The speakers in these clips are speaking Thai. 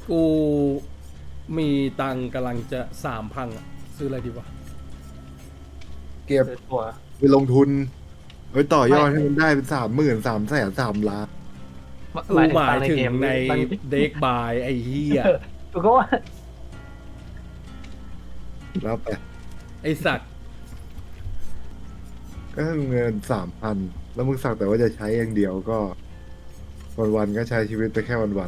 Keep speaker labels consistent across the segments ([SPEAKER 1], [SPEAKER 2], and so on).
[SPEAKER 1] กูมีตังค์กำลังจะ3,000อะซื้ออะไรดีวะ
[SPEAKER 2] เก็บ
[SPEAKER 3] ซื้อตัว
[SPEAKER 2] ไปลงทุนไว้ต่อย
[SPEAKER 3] ไม่
[SPEAKER 2] อดให้มันได้เป็น30,000300,0003,000,000
[SPEAKER 1] กูหมาย
[SPEAKER 3] ตังค์ใน
[SPEAKER 1] ถึงใน
[SPEAKER 3] เกมมัน
[SPEAKER 1] เด็กบายไอ้เหี้ย
[SPEAKER 3] กูก็ว่า
[SPEAKER 2] แล้วไป
[SPEAKER 1] ไอ้สัตว์
[SPEAKER 2] ก็เงิน3,000แล้วมึงสักแต่ว่าจะใช้อย่างเดียวก็วันๆก็ใช้ชีวิตไปแค่วัน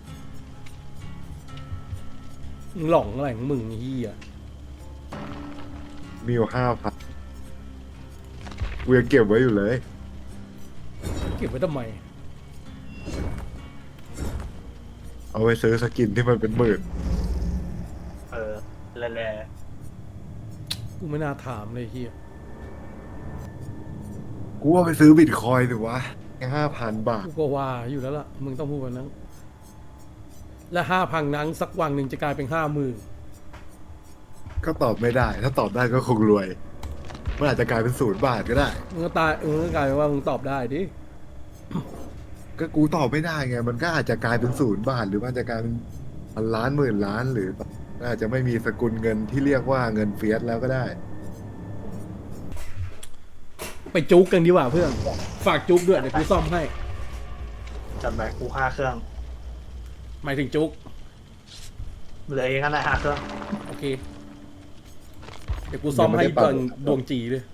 [SPEAKER 1] มึงหลงอะไรของมึงไอ้เหี้ย
[SPEAKER 2] ๆมีอยู่5,000กูยังเก็บไว้อยู่เลย
[SPEAKER 1] เก็บไว้ทำไม
[SPEAKER 2] เอาไปซื้อสกินที่มันเป็นหมื่น
[SPEAKER 3] เออแล่
[SPEAKER 1] กูไม่น่าถามเลยไอ้เหี้ย
[SPEAKER 2] กูว่าไปซื้อบิตคอยน์สิวะแค่5,000 บาท
[SPEAKER 1] กูก็ว่าอยู่แล้วล่ะมึงต้องพูดแบบนั้นและ5,000นั้นสักวันหนึ่งจะกลายเป็น50,000
[SPEAKER 2] ก็ตอบไม่ได้ ถ้าตอบได้ก็คงรวยมันอาจจะกลายเป็น0 บาทก็ได้
[SPEAKER 1] มึงก็ตายมึงก็กลายเป็นว่ามึงตอบได้ดิ
[SPEAKER 2] ก็กูตอบไม่ได้ไงมันก็อาจจะกลายเป็น0 บาทหรือมันอาจจะกลายเป็นพันล้านหมื่นล้านหรืออาจจะไม่มีสกุลเงินที่เรียกว่าเงินเฟียสแล้วก็ได้
[SPEAKER 1] ไปจุกกันดีกว่าเพื่อนฝากจุกด้วยเดี๋ยวกูซ่อมให้
[SPEAKER 3] ๆจัดไปกู5 เครื่อง
[SPEAKER 1] หมายถึงจุก
[SPEAKER 3] เหลือเองกันนะ5 เครื่อง
[SPEAKER 1] โอเคเดี๋ยวกูซ่อมให้ตอนดวงจีเลย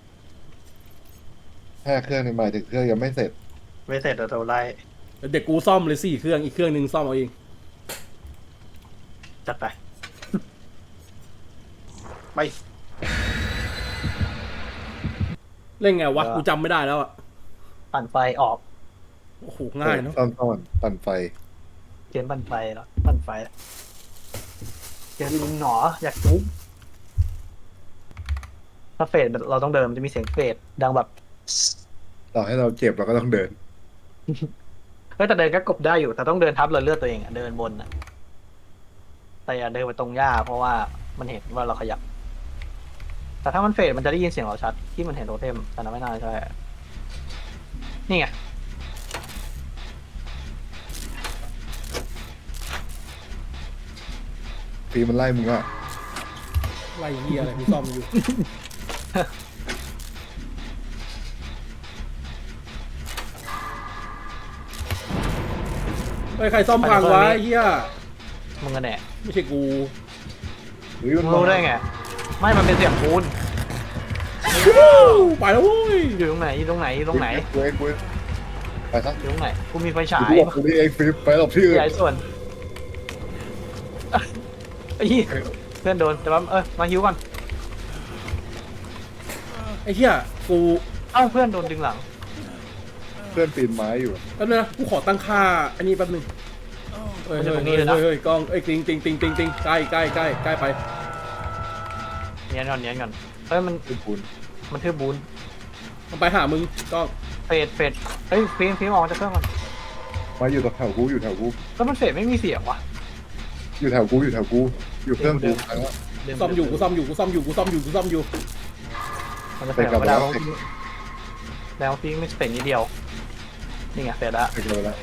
[SPEAKER 2] 5 เครื่องในหมายถึงเครื่องยังไม่เสร็จ
[SPEAKER 3] ไม่เสร็จเดี๋ยวเราไล่
[SPEAKER 1] เดี๋ยวกูซ่อมเลย4 เครื่องอีกเครื่องหนึ่งซ่อมเอาเอง
[SPEAKER 3] จัดไปไป
[SPEAKER 1] เล่นไงวะกูจำไม่ได้แล้วอ่ะ
[SPEAKER 3] ปั่นไฟออก
[SPEAKER 1] โอ้โหง่ายเนาะ
[SPEAKER 2] ซ่อนปั่นไฟ
[SPEAKER 3] เกมปั่นไฟแล้วปั่นไฟเกมลิงหนออยากจุ๊บถ้าเฟดเราต้องเดินมันจะมีเสียงเฟดดังแบบ
[SPEAKER 2] ต่อให้เราเจ็บเราก็ต้องเดิน
[SPEAKER 3] เฮ้ยแต่เดินก็กบได้อยู่แต่ต้องเดินทับเลยเลือดตัวเองอะเดินบนอะแต่อย่าเดินไปตรงหญ้าเพราะว่ามันเห็นว่าเราขยับ แต่ถ้ามันเฟดมันจะได้ยินเสียงเราชัดที่มันเห็นโทเทมแต่นั้นไม่น่าใช่นี่ไง
[SPEAKER 2] ฟีมันไล่มึงอ่ะ
[SPEAKER 1] ไล่เฮียอะไรกูซ่อมอยู่ เฮ้ยใครซ่อมพังวะไอ้เฮีย
[SPEAKER 3] มึงกันแน่
[SPEAKER 1] ไม่ใช่กู
[SPEAKER 2] หรือ
[SPEAKER 3] มึ
[SPEAKER 2] มัน
[SPEAKER 3] งรู้ได้ไงไม่มันเป็นเสียงปูน
[SPEAKER 1] ไปแล้วเว้ย
[SPEAKER 3] อยู่ตรงไหนอยู่ตรงไหนอยู่ตรงไหน
[SPEAKER 2] กูไปซะ
[SPEAKER 3] อยู่ตรงไหนกูมีไฟฉา
[SPEAKER 2] กู
[SPEAKER 3] ย
[SPEAKER 2] บอกกูนี่เองฟีไปหลบที่อื่น
[SPEAKER 3] ใหญ่ส่วนไอ้เหี้ยเพื่อนโดนแต่ว่ามาฮิวก่อน
[SPEAKER 1] ไอ้เฮียกู
[SPEAKER 3] เอ้าเพื่อนโดนดึงหลัง
[SPEAKER 2] เพื่อนปีนไม้อยู่
[SPEAKER 1] แป๊บนึงนะกูขอตั้งค่าอันนี้แป๊บนึงเฮ้ยเฮ้ยเฮ้ยกล้องเอ้ยติงใกล้ไป
[SPEAKER 3] เนียนก่อนเฮ้ยมัน
[SPEAKER 2] เป็นปูน
[SPEAKER 3] มันทืบบูน
[SPEAKER 1] มันไปหามึงกล้อง
[SPEAKER 3] เฟดเฮ้ยฟิล์มออกมาจากเครื่องก่อน
[SPEAKER 2] มาอยู่แถวกูอยู่แถวกู
[SPEAKER 3] แล้วมันเฟดไม่มีเสียงวะ
[SPEAKER 2] อยู่แถวกูอยู่เครื่องกูแล้ว
[SPEAKER 1] กูซ่อมอยู่มัน
[SPEAKER 3] จะเฟดไม่ได้เพราะแล้วฟิล์มไม่เฟดนิดเดียวนี่ไงเฟดละ
[SPEAKER 2] เสร็จเลยแล้ว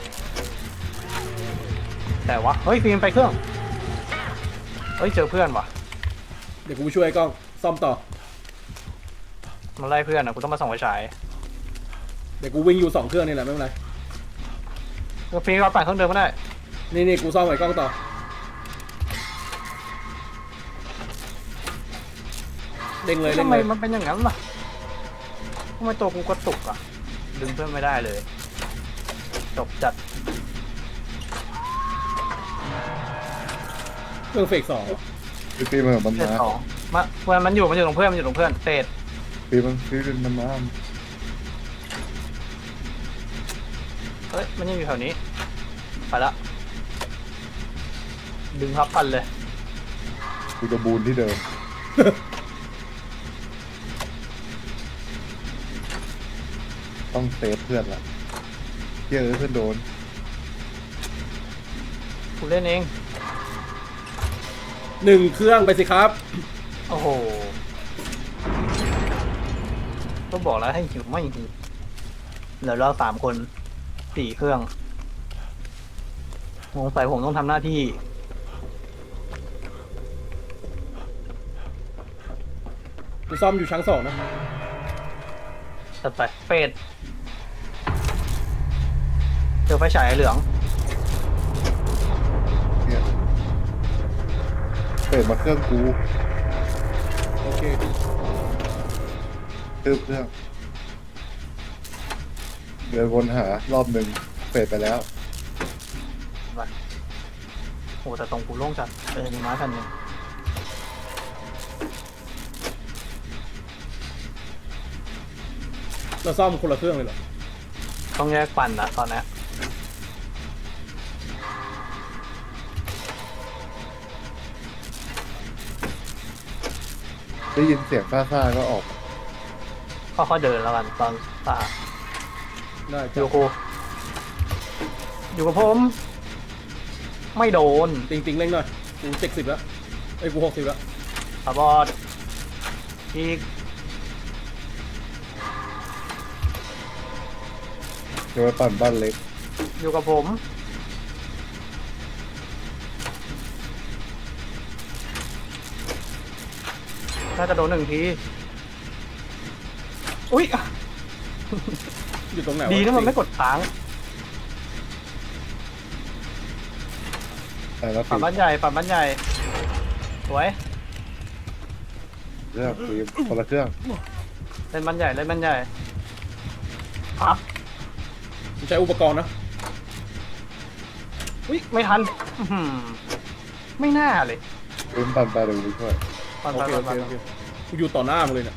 [SPEAKER 3] แต่ว่าเฮ้ยฟิล์มไปเครื่องเฮ้ยเจอเพื่อนว่ะ
[SPEAKER 1] เดี๋ยวกูช่วยกล้องซ่อมต่อ
[SPEAKER 3] มันไล่เพื่อนอ่ะกูต้องมาส่องไฟฉาย
[SPEAKER 1] เดี๋ยวกูวิ่งอยู่2 เครื่องนี่แหละไม่เป็นไร
[SPEAKER 3] ฟิล์มเราปั่นเครื่องเดิมก็ได้
[SPEAKER 1] นี่กูซ่อมไว้กล้องต่อเด้งเลย
[SPEAKER 3] ทำไมมันเป็นอย่างนั้นล่ะทำไมตัวกูกระตุกอ่ะดึงเพื่อนไม่ได้เลยจบจัด
[SPEAKER 1] เครื่องเฟก2
[SPEAKER 2] ฟีมันมัน
[SPEAKER 3] เฟส
[SPEAKER 2] มา
[SPEAKER 3] สองมันอยู่ตรงเพื่อนเฟส
[SPEAKER 2] ฟีมันมา
[SPEAKER 3] เฮ้ยมันยังอยู่แถวนี้ไปละดึงพับพันเลย
[SPEAKER 2] กูจะบูนที่เดิมต้องเซฟเพื่อนละเยอะเพื่อนโดน
[SPEAKER 3] กูเล่นเอง
[SPEAKER 1] 1 เครื่องไปสิครับ
[SPEAKER 3] โอ้โหก็บอกแล้วให้หิวไม่หิวเหลือเรา3 คน 4 เครื่องสงสัยผมต้องทำหน้าที่
[SPEAKER 1] กูซ่อมอยู่ชั้น2นะ
[SPEAKER 3] จัดไปเฟดเจอไฟฉายเหลือง
[SPEAKER 2] เนี่ยเปิดมาเครื่องกู
[SPEAKER 1] โอเค
[SPEAKER 2] ตืบเครื่องเดินวนหารอบหนึ่งเปิดไปแล้ว
[SPEAKER 3] ไปโอ้แต่ตรงกูโล่งจัดมีไม้คันหนึง
[SPEAKER 1] เราซ่อมคนละเครื่องเลยเหรอ
[SPEAKER 3] ต้องแยกปั่นนะตอนนี้
[SPEAKER 2] ได้ยินเสียงซ่าๆก็ออก
[SPEAKER 3] ค่อยๆเดินแล้วกันตอนตา
[SPEAKER 1] ได้
[SPEAKER 3] อ
[SPEAKER 1] จ้ะ
[SPEAKER 3] ยู่กูอยู่กับผมไม่โดน
[SPEAKER 1] ติงเร่งหน่อยกู70แล้วไอ้ยกู60แล้ว
[SPEAKER 3] ขาบอดอีก
[SPEAKER 2] จะไปปั่นบ้านเล็ก
[SPEAKER 3] อยู่กับผมน่าจะโดน1 ทีอุ้ย
[SPEAKER 1] อยู่ตรงไหนว
[SPEAKER 3] ดีนะมันไม่กดค้าง
[SPEAKER 2] แต่ละ
[SPEAKER 3] ปั่
[SPEAKER 2] ปี
[SPEAKER 3] นบ้านใหญ่ปั่นบ้านใหญ่สวย
[SPEAKER 2] เครื่องปีคนละเครื่อง
[SPEAKER 3] เล่นบ้านใหญ่เล่นบ้านใหญ่ครับ
[SPEAKER 1] กูใช้อุปกรณ์นะ
[SPEAKER 3] อุ้ยไม่ทันอื้อหือไม่น่าเลย
[SPEAKER 2] ปืนปั่นไปเดี๋ยวกูช่วย
[SPEAKER 3] ปั่น
[SPEAKER 1] โอ
[SPEAKER 3] ไป
[SPEAKER 1] เค
[SPEAKER 3] ปั่
[SPEAKER 1] โอน เค
[SPEAKER 3] ไป
[SPEAKER 1] โอเคกูอยู่ต่อหน้ามึงเลยเนี่ย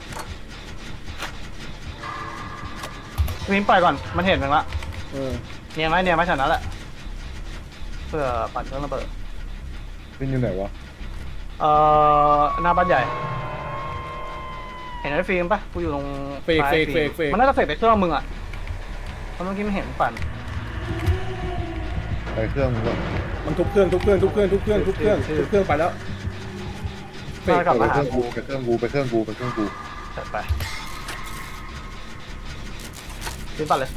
[SPEAKER 3] วินปล่อยก่อนมันเห็นมึงละ
[SPEAKER 1] เออ
[SPEAKER 3] เนียนไหมฉันนั้นแหละเพื่อปั่นเครื่องระเบิด
[SPEAKER 2] นี่อยู่ไหนวะ
[SPEAKER 3] หน้าบ้านใหญ่ เห็นไอ้ฟิล์มปะกูอยู่ตรง
[SPEAKER 1] เฟก
[SPEAKER 3] ซ้าย
[SPEAKER 1] เฟก
[SPEAKER 3] ฟิล์
[SPEAKER 1] เฟก
[SPEAKER 3] มันน่าจะเฟกไปเครื่องมึงอ่ะเพราะเมื่อกี้มันเห็นปั่น
[SPEAKER 2] ไปเครื่องมึงก่อน
[SPEAKER 1] มันทุบเครื่องไปแล้ว เฟก
[SPEAKER 3] กลับ
[SPEAKER 2] ไป
[SPEAKER 3] มา
[SPEAKER 2] เค
[SPEAKER 3] หา
[SPEAKER 2] รื่อง
[SPEAKER 3] กู
[SPEAKER 2] กูไปเครื่องกูไปเครื่องกูไปเครื่องกู
[SPEAKER 3] จัดไปฟิล์มปั่นเลย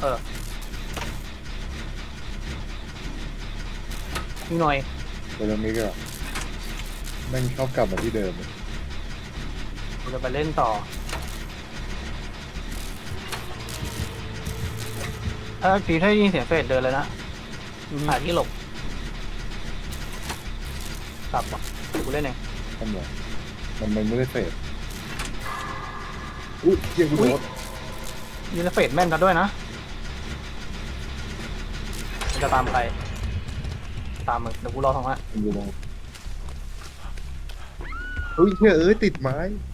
[SPEAKER 3] นี่หน่อย
[SPEAKER 2] ไปตรงนี้ก็แม่งชอบกลับมาที่เดิมเลย
[SPEAKER 3] กูจะไปเล่นต่อถ้าฟิล์มถ้าได้ยินเสียงเฟดเดินเลยนะ หาที่หลบกลับว่ะกูเล่นเอง
[SPEAKER 2] ทำไมมันไม่ได้เฟดอุ้ยเกียร์กูโดน
[SPEAKER 3] ยิงแล้วเฟดแม่นกันด้วยนะมันจะตามใครตามมึงเดี๋ยวกูรอทางนั้น
[SPEAKER 2] มันอยู่ตรงอุ้ยเชี่ยติดไม้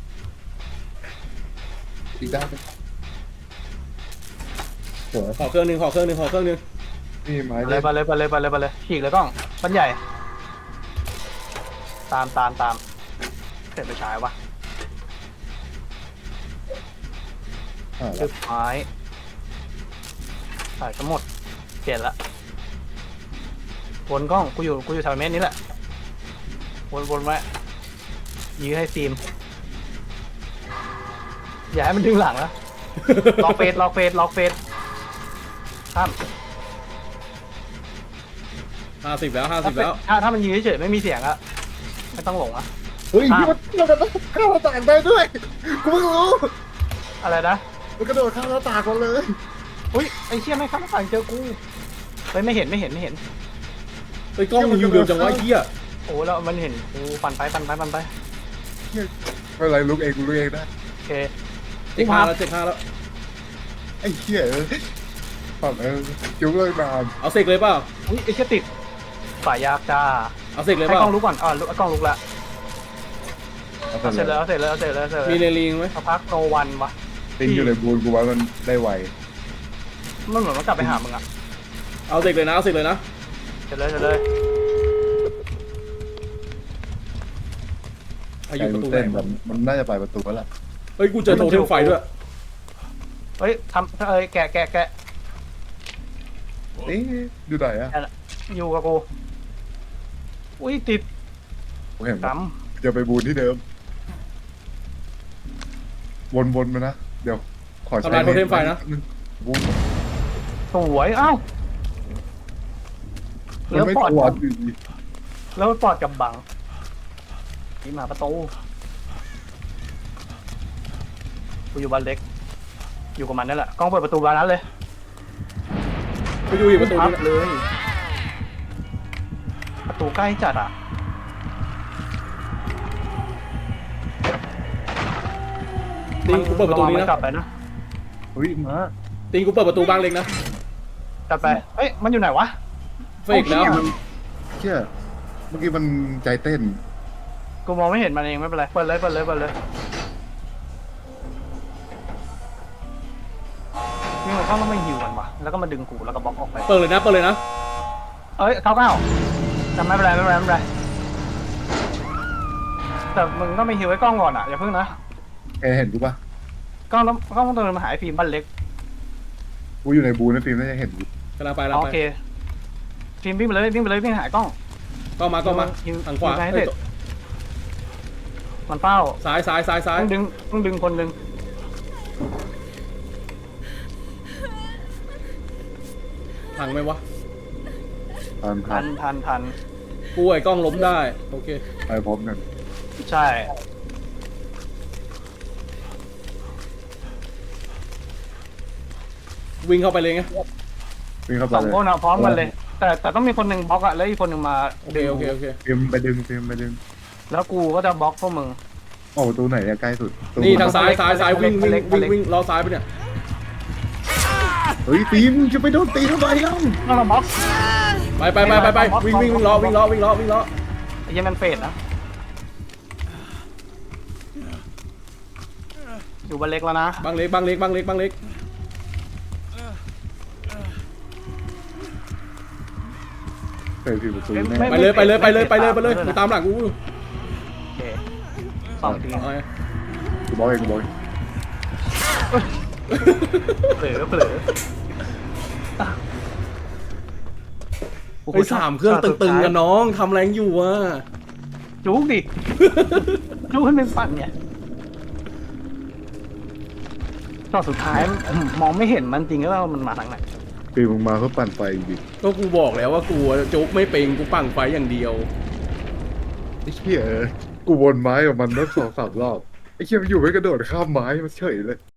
[SPEAKER 2] ติดได้ไหมสวย
[SPEAKER 1] ขอเครื่องหนึง
[SPEAKER 2] นี่ไม้
[SPEAKER 3] ไปเลยฉีกเลยกล้องบันใหญ่ ตามเสร็จไปฉายวะ
[SPEAKER 2] แล้ว
[SPEAKER 3] ไม้ถ่ายทั้งหมดเปลี่ยนละวนกล้องกูอยู่แถวเมตรนี้แหละวนไว้ยื้อให้ฟิล์มอย่าให้มันดึงหลังนะ ล็อกเฟสข้าม
[SPEAKER 1] 50แล้ว50แล้ว
[SPEAKER 3] ถ้ามันยืนเฉยๆไม่มีเสียงอะไม่ต้องหลงอะ
[SPEAKER 2] เฮ้ยพี่มันกระโดดข้ามหน้าต่างได้ด้วยกูเพิ่งรู้
[SPEAKER 3] อะไรนะ
[SPEAKER 2] มันกระโดดข้ามหน้าต่างมาเลย
[SPEAKER 3] อุ้ยไอ้เชี่ยไม่ข้ามหน้าต่างเจอกูเฮ้ยไม่เห็น
[SPEAKER 1] เฮ้ยกล้องมึงอยู่เร็วจังวะไอ้เหี้ย
[SPEAKER 3] โอ้แล้วมันเห็นกูปั่นไป
[SPEAKER 2] ไม่เป็นไรลุกเองกูลุกเองได้
[SPEAKER 3] โอเค
[SPEAKER 1] เจ็ดห้าแล้ว
[SPEAKER 2] ไอ้เหี้ยฝั่งจุ๊บเลยนาน
[SPEAKER 1] เอาเสกเลยเปล่า
[SPEAKER 3] อุ้ยไอ้เชี่ยติดฝ่ายยากจ้า
[SPEAKER 1] เอาเสกเลย
[SPEAKER 3] ให้
[SPEAKER 1] เปล่าก
[SPEAKER 3] ล้องลุกก่อนกล้องลุกละเอาเสร็จแล้ว
[SPEAKER 1] มีเรลิงไหม
[SPEAKER 3] สักพักโนวันวะ
[SPEAKER 2] ติงอยู่ในบูนกูว่ามันได้ไว
[SPEAKER 3] มันเหมือนมันกลับไปหามึงอะ
[SPEAKER 1] เอาเสกเลยนะ
[SPEAKER 3] เสร็จเลย
[SPEAKER 1] อายุประตูไห
[SPEAKER 2] เต้น
[SPEAKER 1] น
[SPEAKER 2] แบบมันน่าจะไปประตูแล้วล่ะ
[SPEAKER 1] เฮ้ยกูเจอโทเทมไฟด้วย
[SPEAKER 3] เฮ้ยแกะ
[SPEAKER 2] เอ๊ะอยู่ไหนอะ
[SPEAKER 3] อยู่กับกูอุ้ยติด
[SPEAKER 2] ผมเห็น
[SPEAKER 3] ก
[SPEAKER 2] จะไปบูนที่เดิม วนมานะ เดี๋ยว ขอใช้
[SPEAKER 1] ทำลายโทเทมไฟนะ
[SPEAKER 2] บูน
[SPEAKER 3] ำสวยอ้าว
[SPEAKER 2] มัน
[SPEAKER 3] แล้ว
[SPEAKER 2] ไม่
[SPEAKER 3] ปอด
[SPEAKER 2] กวาดอยู่ดี
[SPEAKER 3] แล้วปอดกับบังนี่มาประตูกูอยู่บ้านเล็ก อยู่กับมันนั่นแหละกล้องเปิดประตูบานนั้นเลย
[SPEAKER 1] ไปดูอีกประตู
[SPEAKER 3] พั
[SPEAKER 1] นึ
[SPEAKER 3] บ
[SPEAKER 1] ง
[SPEAKER 3] เลย ประตูใกล้จัดอ่ะ
[SPEAKER 1] ติงกูเปิดประตูนี้
[SPEAKER 3] มั
[SPEAKER 1] นะ
[SPEAKER 3] กลับไปนะ
[SPEAKER 2] เฮ้ยมา
[SPEAKER 1] ติงกูเปิดประตูบ้างเล็กนะ
[SPEAKER 3] กลับไปเอ้ยมันอยู่ไหนวะ
[SPEAKER 1] เฟกแล้ว
[SPEAKER 2] เชี่ยเมื่อกี้มันใจเต้น
[SPEAKER 3] กูมองไม่เห็นมันเองไม่เป็นไรเปิดเลยนี่มันเข้าต้องไม่หิวกันวะแล้วก็มาดึงกูแล้วก็บล็อกออกไป
[SPEAKER 1] เปิดเลยนะเปิดเลยนะ
[SPEAKER 3] เอ้ยเก้าจำไม่เป็นไรแต่มึงก็ไม่หิวไอ้กล้องก่อนอ่ะอย่าเพิ่งนะ
[SPEAKER 2] แกเห็นกูปะ
[SPEAKER 3] กล้องต้องเดินมาหาไอ้ฟิล์มบ้านเล็ก
[SPEAKER 2] กูอยู่ในบูนะฟิล์มน่าจะเห็นกู
[SPEAKER 1] กำลังไป
[SPEAKER 3] โอเคฟิล์มวิ่งไปเลยวิ่งหากล้อง
[SPEAKER 1] ก็มาทางขวา
[SPEAKER 3] ให้เสร็จมันเฝ้า
[SPEAKER 1] ซ้าย
[SPEAKER 3] ต้องดึงคนดึง
[SPEAKER 1] พังไหมวะ
[SPEAKER 3] ทัน
[SPEAKER 1] กูไอ้กล้องล้มได้โอเค
[SPEAKER 2] ไปพร้อมกัน
[SPEAKER 3] ใช่
[SPEAKER 1] วิ่งเข้าไปเลยไง
[SPEAKER 2] วิ่งเข้าไป
[SPEAKER 3] สอง
[SPEAKER 2] เลย
[SPEAKER 3] คนอ่ะพร้อมกันเลย แต่ต้องมีคนหนึ่งบล็อกอ่ะแล้วอีกคนหนึ่งมา
[SPEAKER 1] โอเค
[SPEAKER 2] ฟิล์มไปดึงฟิล์มไปดึง
[SPEAKER 3] แล้วกูก็จะบล็อกพวกมึง
[SPEAKER 2] ออกประตูไหนอะใกล้สุดประตู
[SPEAKER 1] นี่ทางซ้ายวิ่ง
[SPEAKER 3] เล็ก
[SPEAKER 1] ล้อซ้ายไปเนี่ย
[SPEAKER 2] เฮ้ยฟิล์มจะไปโดนตีทำไมเล่า
[SPEAKER 3] ต้องมาบล็อก
[SPEAKER 1] ไปวิ่งล้อ
[SPEAKER 3] ไอ้เหี้ยังมันเฟดนะอยู่บ้านเล็กแล้วนะ
[SPEAKER 1] บางเล็ก
[SPEAKER 2] เปิดประตูแน่
[SPEAKER 1] ไปเลยมึงตามหลังกู
[SPEAKER 3] โอเคสองที
[SPEAKER 1] เอาไง
[SPEAKER 2] กูบอกเองกูบอกเอง
[SPEAKER 3] เผลอ
[SPEAKER 1] ไป3เครื่องตึงๆกันน้องทำแรงอยู่อ่ะ
[SPEAKER 3] จุกดิจุกให้มันปั่นเนี่ยตอนสุดท้ายมองไม่เห็นมันจริงแล้วว่ามันมาทางไหน
[SPEAKER 2] ฟิล์มมึงมาเพื่อปั่นไฟจริง
[SPEAKER 1] ก็กูบอกแล้วว่ากูโจ๊กไม่เป็นกูปั่งไฟอย่างเดียว
[SPEAKER 2] ไอ้เหี้ยกูวนไม้กับมันตั้ง2-3 รอบไอ้เหี้ยมันอยู่ไม่กระโดดข้ามไม้มันเฉยเลย